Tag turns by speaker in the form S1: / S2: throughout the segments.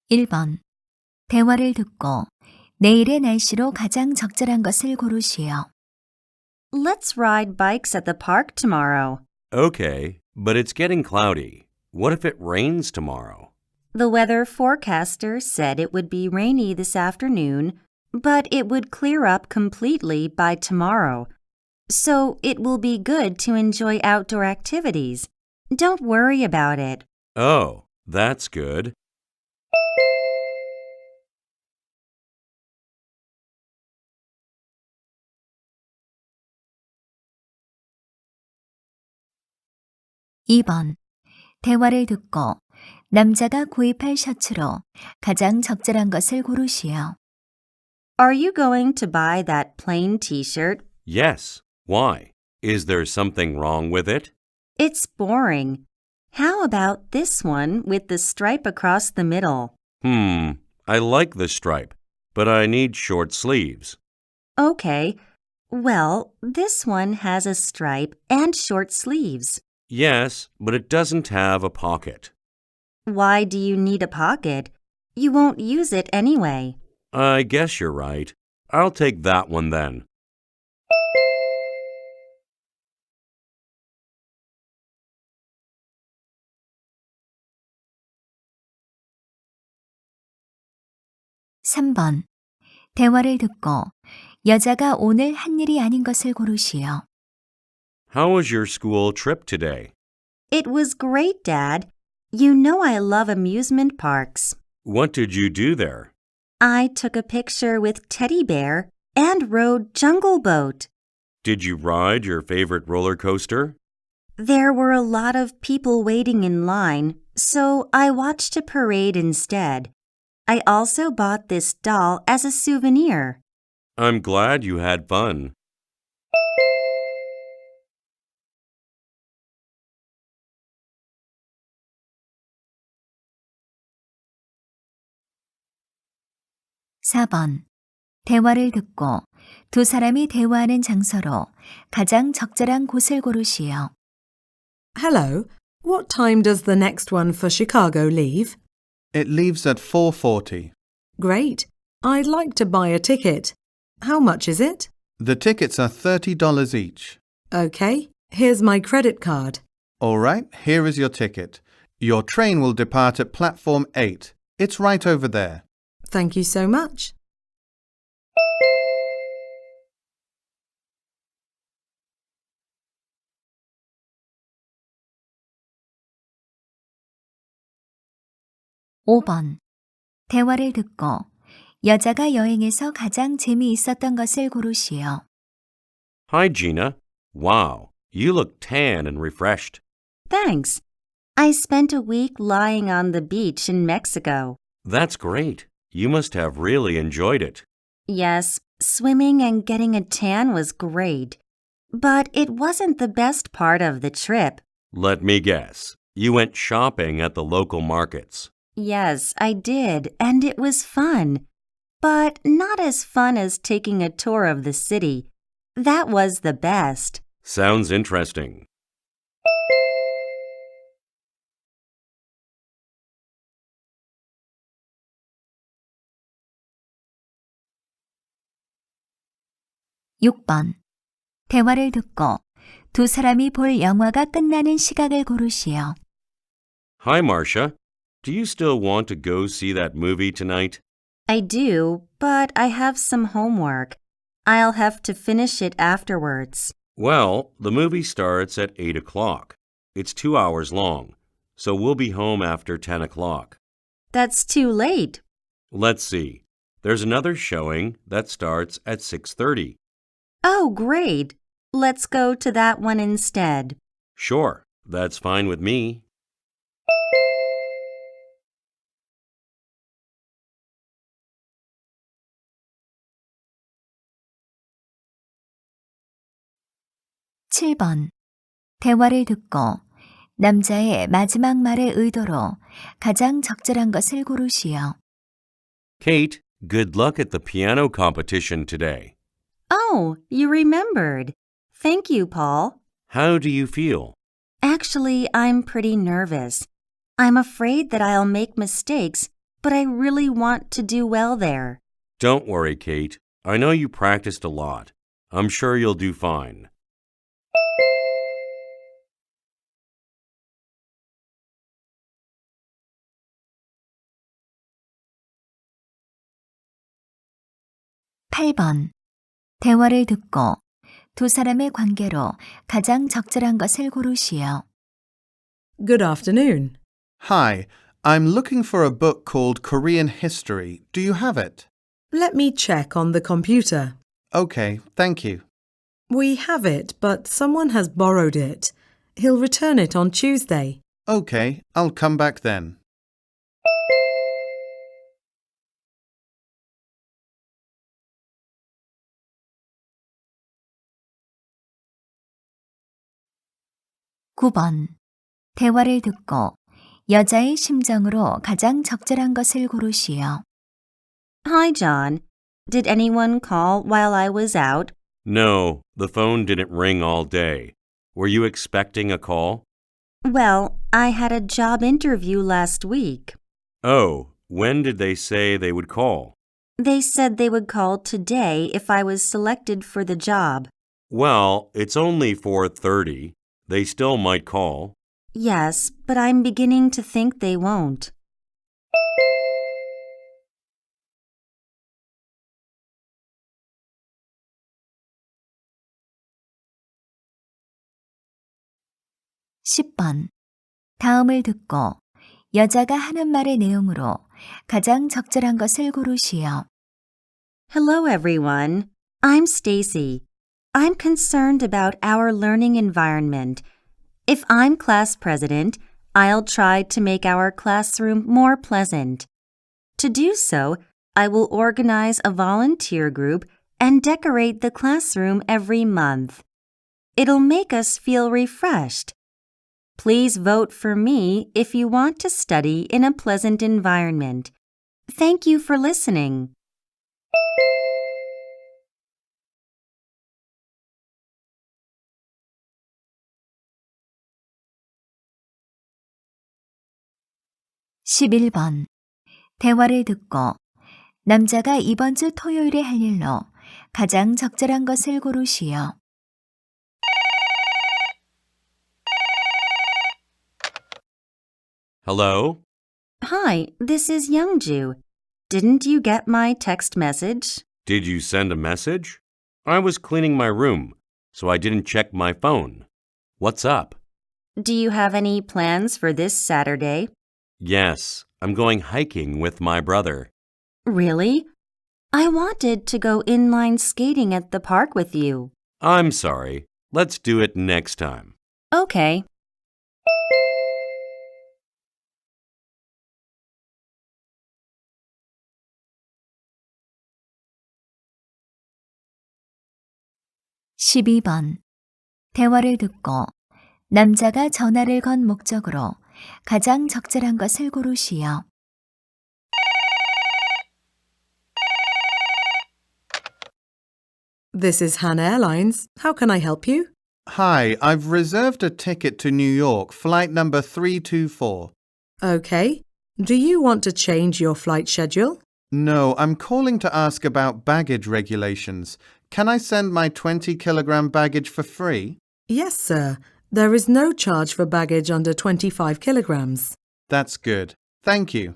S1: 1번. 대화를 듣고 내일의 날씨로 가장 적절한 것을 고르시오.
S2: Let's ride bikes at the park tomorrow.
S3: Okay, but it's getting cloudy. What if it rains tomorrow?
S2: The weather forecaster said it would be rainy this afternoon, but it would clear up completely by tomorrow. So it will be good to enjoy outdoor activities. Don't worry about it.
S3: Oh, that's good.
S1: (2번) 대화를 듣고 남자가 구입할 셔츠로 가장 적절한 것을 고르시오.
S2: Are you going to buy that plain t-shirt?
S3: Yes. Why? Is there something wrong with it?
S2: It's boring. How about this one with the stripe across the middle?
S3: I like the stripe, but I need short sleeves.
S2: Okay. Well, this one has a stripe and short sleeves.
S3: Yes, but it doesn't have a pocket.
S2: Why do you need a pocket? You won't use it anyway.
S3: I guess you're right. I'll take that one then.
S1: (3번) 대화를 듣고 여자가 오늘 한 일이 아닌 것을 고르시오.
S3: How was your school trip today?
S2: It was great, Dad. You know I love amusement parks.
S3: What did you do there?
S2: I took a picture with Teddy Bear and rode Jungle Boat.
S3: Did you ride your favorite roller coaster?
S2: There were a lot of people waiting in line, so I watched a parade instead. I also bought this doll as a souvenir.
S3: I'm glad you had fun.
S1: (4번) 대화를 듣고 두 사람이 대화하는 장소로 가장 적절한 곳을 고르시오.
S4: Hello, what time does the next one for Chicago leave?
S5: It leaves at 4:40.
S4: Great. I'd like to buy a ticket. How much is it?
S5: The tickets are $30 each.
S4: Okay, here's my credit card.
S5: All right, here is your ticket. Your train will depart at platform 8. It's right over there.
S4: Thank you so much.
S1: (5번) 대화를 듣고 여자가 여행에서 가장 재미있었던 것을 고르시오.
S3: Hi, Gina. Wow, you look tan and refreshed.
S2: Thanks. I spent a week lying on the beach in Mexico.
S3: That's great. You must have really enjoyed it.
S2: Yes, swimming and getting a tan was great. But it wasn't the best part of the trip.
S3: Let me guess. You went shopping at the local markets.
S2: Yes, I did, and it was fun. But not as fun as taking a tour of the city. That was the best.
S3: Sounds interesting.
S1: (6번) 대화를 듣고 두 사람이 볼 영화가 끝나는 시각을 고르시오.
S3: Hi, Marcia. Do you still want to go see that movie tonight?
S2: I do, but I have some homework. I'll have to finish it afterwards.
S3: Well, the movie starts at 8 o'clock. It's 2 hours long, so we'll be home after 10 o'clock.
S2: That's too late.
S3: Let's see. There's another showing that starts at 6:30.
S2: Oh, great. Let's go to that one instead.
S3: Sure, that's fine with me.
S1: (7번) 대화를 듣고 남자의 마지막 말의 의도로 가장 적절한 것을 고르시오.
S3: Kate, good luck at the piano competition today.
S2: Oh, you remembered. Thank you, Paul.
S3: How do you feel?
S2: Actually, I'm pretty nervous. I'm afraid that I'll make mistakes, but I really want to do well there.
S3: Don't worry, Kate. I know you practiced a lot. I'm sure you'll do fine.
S1: 팔 번 대화를 듣고 두 사람의 관계로 가장 적절한 것을 고르시오.
S4: Good afternoon.
S5: Hi, I'm looking for a book called Korean History. Do you have it?
S4: Let me check on the computer.
S5: Okay, thank you.
S4: We have it, but someone has borrowed it. He'll return it on Tuesday.
S5: Okay, I'll come back then.
S1: 구 번 대화를 듣고 여자의 심정으로 가장 적절한 것을 고르시오.
S2: Hi, John. Did anyone call while I was out?
S3: No, the phone didn't ring all day. Were you expecting a call?
S2: Well, I had a job interview last week.
S3: Oh, when did they say they would call?
S2: They said they would call today if I was selected for the job.
S3: Well, it's only 4:30. They still might call.
S2: Yes, but I'm beginning to think they won't.
S1: 십 번 다음을 듣고 여자가 하는 말의 내용으로 가장 적절한 것을 고르시오.
S2: Hello, everyone. I'm Stacy. I'm concerned about our learning environment. If I'm class president, I'll try to make our classroom more pleasant. To do so, I will organize a volunteer group and decorate the classroom every month. It'll make us feel refreshed. Please vote for me if you want to study in a pleasant environment. Thank you for listening.
S1: 십일 번 대화를 듣고 남자가 이번 주 토요일에 할 일로 가장 적절한 것을 고르시오.
S3: Hello?
S2: Hi, this is Youngju. Didn't you get my text message?
S3: Did you send a message? I was cleaning my room, so I didn't check my phone. What's up?
S2: Do you have any plans for this Saturday?
S3: Yes, I'm going hiking with my brother.
S2: Really? I wanted to go inline skating at the park with you.
S3: I'm sorry. Let's do it next time.
S2: Okay.
S1: 십이 번 대화를 듣고 남자가 전화를 건 목적으로 가장 적절한 것을 고르시오.
S4: This is Han Airlines. How can I help you?
S5: Hi, I've reserved a ticket to New York, flight number 324.
S4: Okay. Do you want to change your flight schedule?
S5: No, I'm calling to ask about baggage regulations. Can I send my 20-kilogram baggage for free?
S4: Yes, sir. There is no charge for baggage under 25 kilograms.
S5: That's good. Thank you.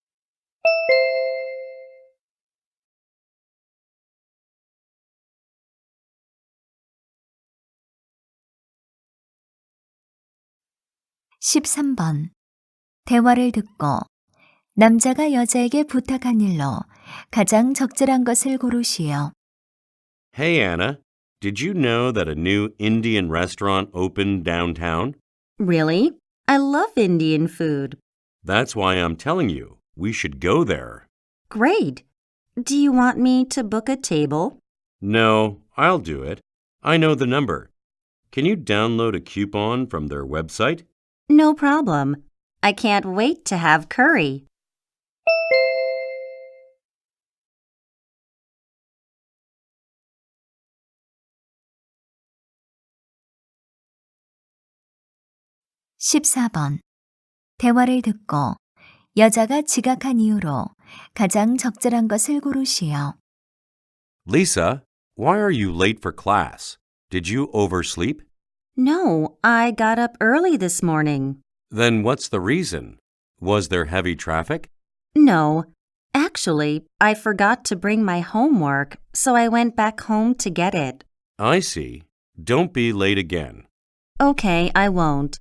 S1: 십삼 번 대화를 듣고 남자가 여자에게 부탁한 일로 가장 적절한 것을 고르시오.
S3: Hey, Anna. Did you know that a new Indian restaurant opened downtown?
S2: Really? I love Indian food.
S3: That's why I'm telling you, we should go there.
S2: Great. Do you want me to book a table?
S3: No, I'll do it. I know the number. Can you download a coupon from their website?
S2: No problem. I can't wait to have curry.
S1: 십사 번 대화를 듣고 여자가 지각한 이후로 가장 적절한 것을 고르시오.
S3: Lisa, why are you late for class? Did you oversleep?
S2: No, I got up early this morning.
S3: Then what's the reason? Was there heavy traffic?
S2: No, actually, I forgot to bring my homework, so I went back home to get it.
S3: I see. Don't be late again.
S2: Okay, I won't.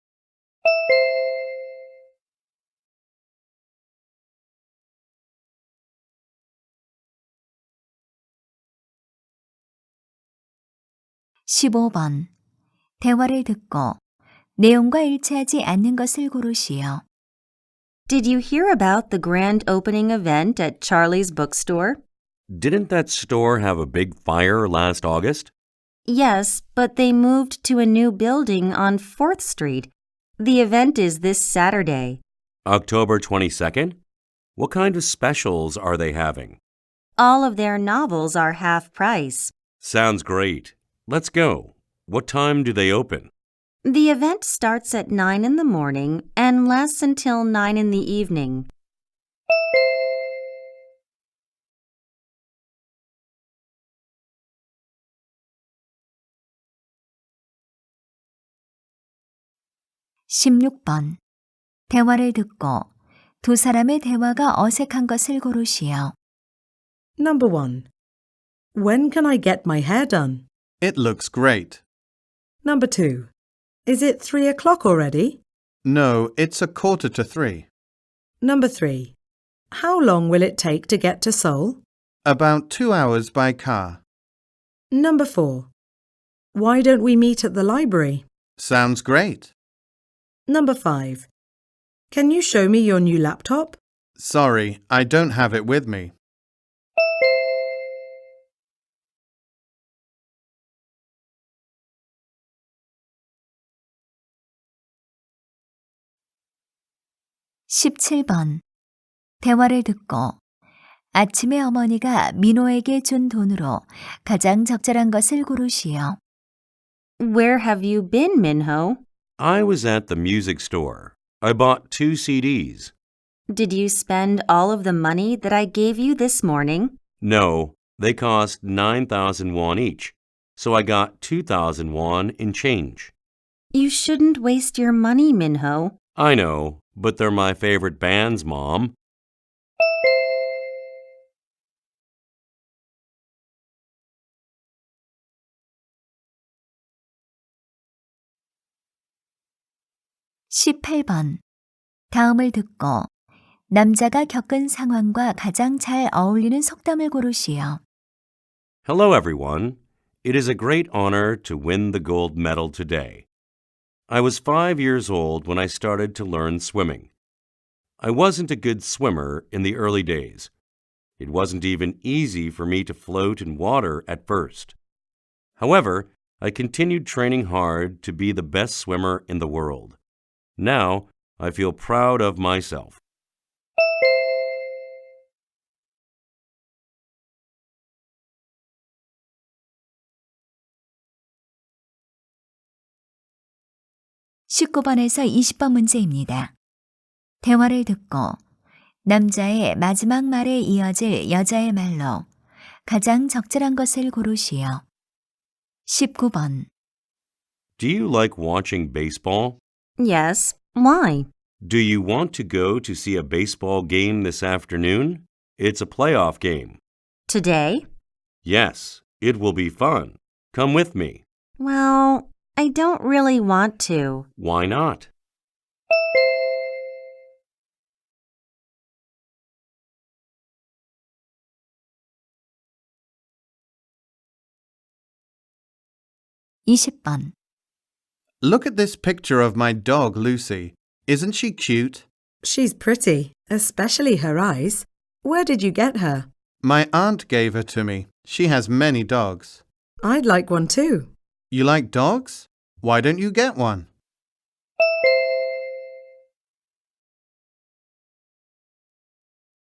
S1: (15번) 대화를 듣고 내용과 일치하지 않는 것을 고르시오.
S2: Did you hear about the grand opening event at Charlie's bookstore?
S3: Didn't that store have a big fire last August?
S2: Yes, but they moved to a new building on 4th Street. The event is this Saturday.
S3: October 22nd? What kind of specials are they having?
S2: All of their novels are half price.
S3: Sounds great. Let's go. What time do they open?
S2: The event starts at 9 in the morning and lasts until 9 in the evening.
S1: (16번) 대화를 듣고 두 사람의 대화가 어색한 것을 고르시오.
S4: Number 1. When can I get my hair done?
S5: It looks great.
S4: Number 2. Is it 3 o'clock already?
S5: No, it's 2:45.
S4: Number 3. How long will it take to get to Seoul?
S5: About 2 hours by car.
S4: Number 4. Why don't we meet at the library?
S5: Sounds great.
S4: Number 5. Can you show me your new laptop?
S5: Sorry, I don't have it with me.
S1: (17번) 대화를 듣고 아침에 어머니가 민호에게 준 돈으로 가장 적절한 것을 고르시오.
S2: Where have you been, Minho?
S3: I was at the music store. I bought 2 CDs.
S2: Did you spend all of the money that I gave you this morning?
S3: No, they cost 9,000 won each, so I got 2,000 won in change.
S2: You shouldn't waste your money, Minho.
S3: I know, but they're my favorite bands, Mom.
S1: (18번) 다음을 듣고 남자가 겪은 상황과 가장 잘 어울리는 속담을 고르시오.
S3: Hello, everyone. It is a great honor to win the gold medal today. I was 5 years old when I started to learn swimming. I wasn't a good swimmer in the early days. It wasn't even easy for me to float in water at first. However, I continued training hard to be the best swimmer in the world. Now, I feel proud of myself.
S1: (19번에서 20번 문제입니다. 대화를 듣고 남자의 마지막 말에 이어질 여자의 말로 가장 적절한 것을 고르시오. (19번)
S3: Do you like watching baseball?
S2: Yes. Why?
S3: Do you want to go to see a baseball game this afternoon? It's a playoff game.
S2: Today?
S3: Yes, it will be fun. Come with me.
S2: Well, I don't really want to.
S3: Why not?
S1: (20번)
S5: Look at this picture of my dog, Lucy. Isn't she cute?
S4: She's pretty, especially her eyes. Where did you get her?
S5: My aunt gave her to me. She has many dogs.
S4: I'd like one too.
S5: You like dogs? Why don't you get one?